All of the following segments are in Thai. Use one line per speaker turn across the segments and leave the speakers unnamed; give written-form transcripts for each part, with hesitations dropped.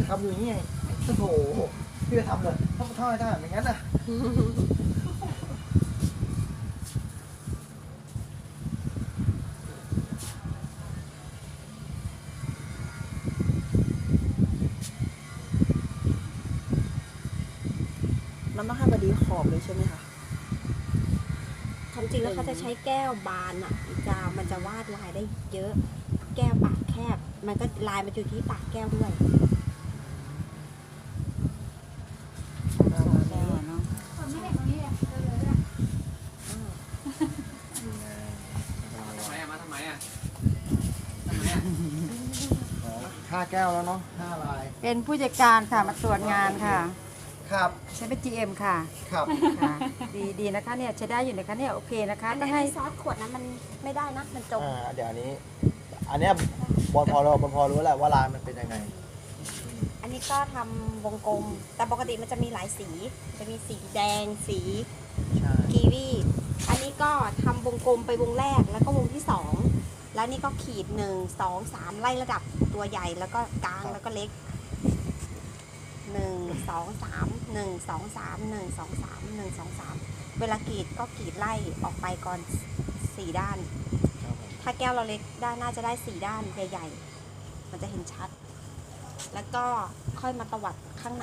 ทำอยู่อย่างนี้ไงโอ้โหพี่จะทำเลยต้องทอดได้ไม่งั้นอ่ะ
มันต้องให้พอดีขอบเลยใช่ไหมคะ
ความจริงแล้วเขาจะใช้แก้วบานอ่ะมันจะวาดลายได้เยอะ แก้วปากแคบ มันก็ลายมันอยู่ที่ปากแก้วด้วย
ไม่เห็นตรงนี้เลยเลยอ่ะ
มาทำไมอ่ะ
5 แก้วแล้วเนาะ5 ลาย
เป็นผู้จัดการค่ะมาตรวจงานค่ะ
ครับ
ใช้เป็น GM ค่ะ
ครับ
ค่ะ ดีนะคะเนี่ยใช้ได้อยู่นะคะเนี่ยโอเคนะคะ
อัน
ต้อ
นี้
งให้
ซอสขวดนั้นมันไม่ได้นะ มันจม
เดี๋ยวอันเนี้ยบอลพอรู้แหละว่าลายมันเป็นยังไง
อันนี้ก็ทำวงกลม แต่ปกติมันจะมีหลายสี จะมีสีแดง สี
ใช่
กีวี อันนี้ก็ทำวงกลมไปวงแรก แล้วก็วงที่ 2 แล้วนี่ก็ขีด 1 2 3 ไล่ระดับตัวใหญ่ แล้วก็กลาง แล้วก็เล็ก 1 2 3 1 2 3 1 2 3 1 2 3 เวลากรีดก็กรีดไล่ออกไปก่อน4 ด้าน
ครับผม
ถ้าแก้วเราเล็กด้านน่าจะได้4 ด้านใหญ่ๆ มันจะเห็นชัด แล้วก็ค่อยมาตวัดข้างใน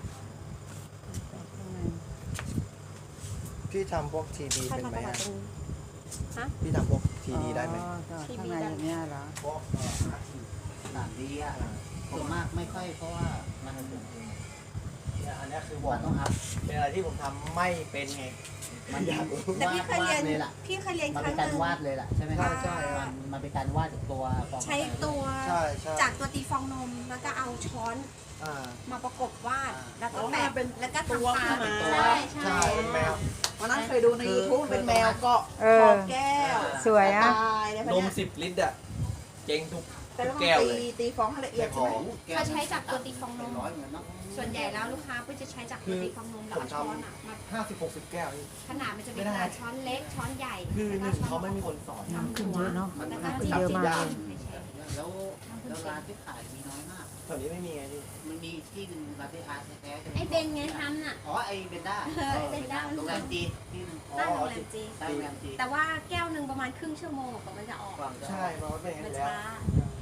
พี่ทำพวกทีดี
ค่อย
เป็น
มา
ไหม
ตวัด
อะ
ตรงนี้ฮะ
พี่ทำพวกทีดีได้ไหม
อ๋อข้างในอย่างเนี้ยเหรอ
พวก
ต่างดีอ่ะส่วนมากไม่ค่อยเพราะว่ามัน
เนี่ยอันเนี้ยคือบอก
มันต้องอัพ
เป็นอะไรที่ผมทำไม่เป็นไง
มันอยาก
แต่พี่เคยเรียน
เลยล่ะ
พี่เคยเรียน
มัน
ครั้
เป็น
งห
การ
นึ่ง
วาดเลยล่ะใช่ไหมครับ
ใช่
มันเป็นการวาดจากตัวฟอง
ใช้ตัว
ใช่ใช่
จากตัวตีฟองนม แล้วก็เอาช้อน
อ่า
มาประกบวาด แล้วก็
อ๋อ
แบ
มัน
บ
เป็น
แล้วก็
ตัว
ทำตา
ขึ้นมา
ใช่ใช่
ใช่เป็นแมว
วันนั้นเคยดูใน YouTube เป็นแมวเกาะ
เอ
ข
อ
อบแก้ว
สวยอะ
ตายเลย
น
ค่ะ
ม
เนี่ย
10 ลิตรอ่ะเจ๊งทุก
แต่เรา
แก้วเลย
ตีฟองให้ละเอียดใช่ไหม
เขาใช้จากตัวตีฟองนม
ร้อยเหมือนเนาะ
ส่วนใหญ่แล้วลูกค้าก็จะใช้จากตัวตีฟองนมแล้วเอาช้อนอ่ะมา
50-60 แก้วนี่
ขนาดมันจะมี
ไม่ได้
ขนาดช้อนเล็กช้อนใหญ่
คือห
แล้ว
นึ่ง
ก็ช้
เขา
อน
ไม่มีคนสอน
ทำ
ขึ้น
หั
เยว อะเนาะ
แล้วก็
ขึ้นเยอะมากเลย
แล้วร้านที่ขายมีน้อยมาก
แถวนี้ไม่มีไงพี่
มันมีที่หนึ่งร้านที่อาร์ตแท้ๆจะ
ไอ้เบนไงทำน่ะ
อ๋อไอเบนด้า
ไอ้เบนด้า
โรงแรมจีนที่หนึง
ตั้งโรงแรมจี
ตั้งโรงแรมจีน
แต่ว่าแก้วหนึ่งประมาณครึ่งชั่วโมงกว่ามันจะออก
ใช่เพราะว่าเป็นอย่าง
มั
นั้น นแล้ว
ช้า